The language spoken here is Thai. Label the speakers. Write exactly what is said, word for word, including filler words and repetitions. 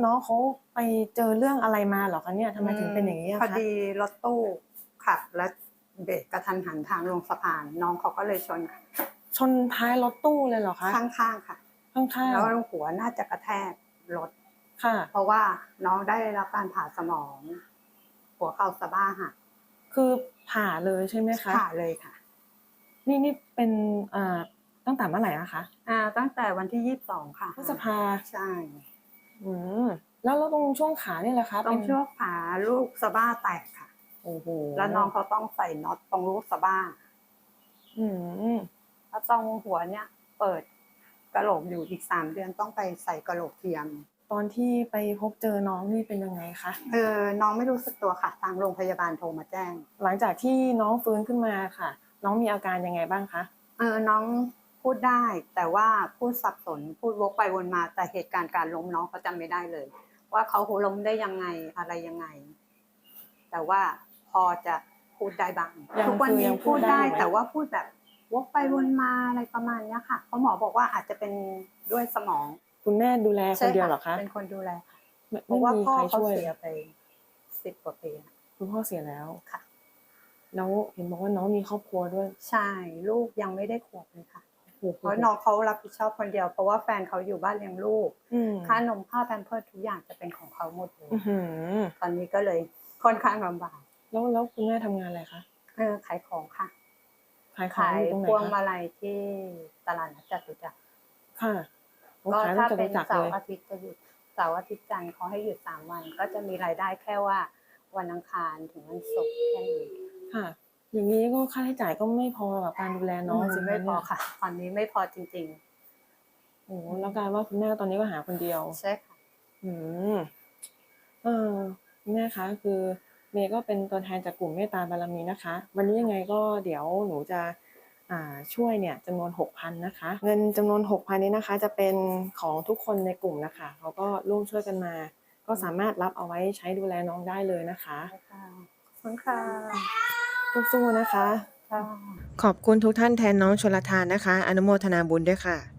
Speaker 1: น้องเขาไปเจอเรื่องอะไรมาเหรอคะเนี่ยทำไมถึงเป็นอย่างนี้อะ
Speaker 2: พอ
Speaker 1: คะ
Speaker 2: ดีรถตู้ขับและเบรกกระทันหันทางลงสะพานน้องเขาก็เลยชนค่ะ
Speaker 1: ชนท้ายรถตู้เลยเหรอคะ
Speaker 2: ข้างๆค่ะ
Speaker 1: ข้างๆ
Speaker 2: แล้วหัวน่าจะกระแทกรถ
Speaker 1: ค่ะ
Speaker 2: เพราะว่าน้องได้รับการผ่าสมอง หัวเข่าสะบ้าหัก
Speaker 1: คือผ่าเลยใช่ไหมคะ
Speaker 2: ผ่าเลยค่ะ
Speaker 1: นี่นี่เป็นอ่าตั้งแต่เมื่อไหร่อะคะ
Speaker 2: อ่าตั้งแต่วันที่ยี่สิบสองค่ะ
Speaker 1: พฤษภา
Speaker 2: ใช่
Speaker 1: อืมแล้วแล้วตรงช่วงขาเนี่ยแหละคะ
Speaker 2: ตรงช่วงขาลูกสะบ้าแตกค่ะ
Speaker 1: โอ้โห
Speaker 2: แล้วน้องเขาต้องใส่น็อตตรงลูกสะบ้า
Speaker 1: อืม
Speaker 2: แล้วตรงหัวเนี่ยเปิดกะโหลกอยู่อีกสามเดือนต้องไปใส่กะโหลกเทียม
Speaker 1: ตอนที่ไปพบเจอน้องนี่เป็นยังไงคะ
Speaker 2: เออน้องไม่รู้สึกตัวค่ะทางโรงพยาบาลโทรมาแจ้ง
Speaker 1: หลังจากที่น้องฟื้นขึ้นมาค่ะน้องมีอาการยังไงบ้างคะ
Speaker 2: เออน้องพูดได้แต่ว่าพูดสับสนพูดวกไปวนมาแต่เหตุการณ์การล้มน้องเขาจำไม่ได้เลยว่าเขาล้มได้ยังไงอะไรยังไงแต่ว่าพอจะพูดได้บ้างทุกวันนี้พูดได้แต่ว่าพูดแบบวกไปวนมาอะไรประมาณนี้ค่ะเพราะหมอบอกว่าอาจจะเป็นด้วยสมอง
Speaker 1: คุณแม่ดูแลคนเดียวเหรอคะ
Speaker 2: เป็นคนดูแลค่ะเพ
Speaker 1: ไม่
Speaker 2: ราะว่า
Speaker 1: มี
Speaker 2: พ่อ
Speaker 1: ใคร
Speaker 2: เขา
Speaker 1: ช่วย
Speaker 2: เสียไปสิบกว่าปี
Speaker 1: คุณพ่อเสียแล้ว
Speaker 2: ค่ะ
Speaker 1: แล้วเห็นบอกว่าน้องมีครอบครัวด้วย
Speaker 2: ใช่ลูกยังไม่ได้ขวบเลยค่ะเพราะน้องเขารับผิดชอบคนเดียวเพราะว่าแฟนเขาอยู่บ้านเลี้ยงลูกค่านมค่าแพมเพิร์สทุกอย่างจะเป็นของเขาหมดเลยตอนนี้ก็เลยค่อนข้างลำบาก
Speaker 1: แล้วแล้วคุณแม่ทำงานอะไรคะ
Speaker 2: เออขายของค่ะ
Speaker 1: ขายของอยู่ตรงไหน
Speaker 2: พวง
Speaker 1: คะ
Speaker 2: มาลัยที่ตลาดนัดจตุจักร
Speaker 1: ค่ะ
Speaker 2: ก็ถ้าเป็นเสาร์อาทิตย์จะหยุดเสาร์อาทิตย์จันทร์เขาให้หยุดสามวันก็จะมีรายได้แค่ว่าวันอังคารถึงวันศุกร์แค่นี้
Speaker 1: ค่ะอย่างนี้ก็ค่าใช้จ่ายก็ไม่พอกับการดูแลน้องสิ
Speaker 2: ไม่พอค่ะตอนนี้ไม่พอจริง
Speaker 1: ๆโอ้แล้วกลายว่าคุณแม่ตอนนี้ก็หาคนเดียว
Speaker 2: ใช่ค่ะ
Speaker 1: อืมเออคุณแม่คะคือเมย์ก็เป็นตัวแทนจากกลุ่มเมตตาบารมีนะคะวันนี้ยังไงก็เดี๋ยวหนูจะอ่าช่วยเนี่ยจำนวน หกพัน นะคะเงินจำนวน หกพัน นี้นะคะจะเป็นของทุกคนในกลุ่มนะคะเขาก็ร่วมช่วยกันมาก็สามารถรับเอาไว้ใช้ดูแลน้องได้เลยนะคะ
Speaker 2: ขอบคุณค่ะ
Speaker 1: สู้ๆนะคะขอบคุณทุกท่านแทนน้องชลทานนะคะอนุโมทนาบุญด้วยค่ะ